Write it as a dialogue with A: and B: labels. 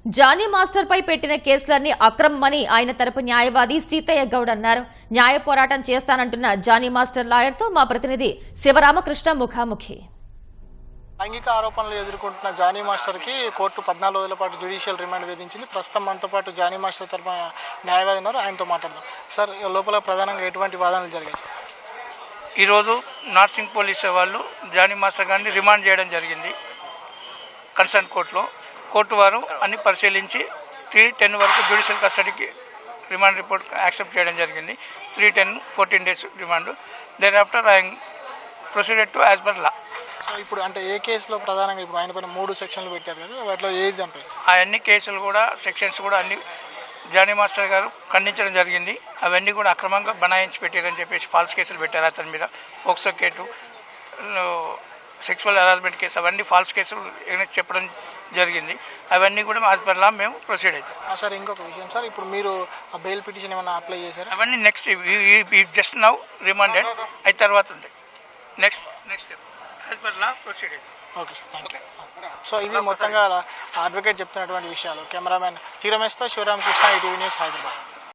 A: Johnny master పై పెట్టిన కేసులన్నీ అక్రమమని ఆయన తరపు న్యాయవాది సీతయ్య గౌడ్ అన్నారు. న్యాయ పోరాటం చేస్తానంటున్న జానీ మాస్టర్ లాయర్ తో మా ప్రతినిధి శివరామకృష్ణ ముఖాముఖి.
B: లైంగిక ఆరోపణలు ఎదుర్కొంటున్న జానీ మాస్టర్ కి కోర్టు 14 రోజుల పాటు జ్యుడిషియల్ రిమాండ్ విధించింది. ప్రస్తుతం మనతో పాటు జానీ మాస్టర్ తరపున న్యాయవాది ఉన్నారు, ఆయనతో మాట్లాడదాం. సార్, లోపల ప్రధానంగా ఎటువంటి వాదనలు జరిగాయి?
C: ఈరోజు నార్సింగ్ పోలీసు వాళ్ళు జానీ మాస్టర్ గారిని రిమాండ్ చేయడం జరిగింది కన్సర్న్ కోర్టులో. కోర్టు వారు అన్ని పరిశీలించి 3-10 వరకు జ్యుడిషియల్ కస్టడీకి రిమాండ్ రిపోర్ట్ యాక్సెప్ట్ చేయడం జరిగింది. 3-10-14 days remand. Then after I proceeded to as per law.
B: So ఇప్పుడు అంటే ఏ కేసులో ప్రధానంగా ఇప్పుడు ఆయన పైన 3 సెక్షన్లు పెట్టారు కదా, వాటిలో ఏది చంపారు?
C: అవన్నీ కేసులు కూడా సెక్షన్స్ కూడా అన్ని జానీ మాస్టర్ గారు ఖండించడం జరిగింది. అవన్నీ కూడా అక్రమంగా బనాయించి పెట్టారని చెప్పేసి ఫాల్స్ కేసులు పెట్టారు అతని మీద. POCSO case, sexual harassment case, అవన్నీ ఫాల్స్ కేసులు చెప్పడం జరిగింది. అవన్నీ కూడా యాజ్ పర్ లా మేము ప్రొసీడ్ అవుతాం.
B: సార్, ఇంకొక విషయం సార్, ఇప్పుడు మీరు ఆ బెయిల్ పిటిషన్ ఏమైనా అప్లై చేశారు?
C: అవన్నీ నెక్స్ట్ జస్ట్ నౌ రిమాండెడ్ అయిన తర్వాత ఉంటాయి. Next as per law proceed అవుతాం.
B: Okay sir, thank you. So ఇవి మొత్తంగా అడ్వకేట్ చెప్తున్నటువంటి విషయాలు. కెమెరామెన్ టీ రమేష్తో శివరామకృష్ణ, ఈటీవీ న్యూస్, హైదరాబాద్.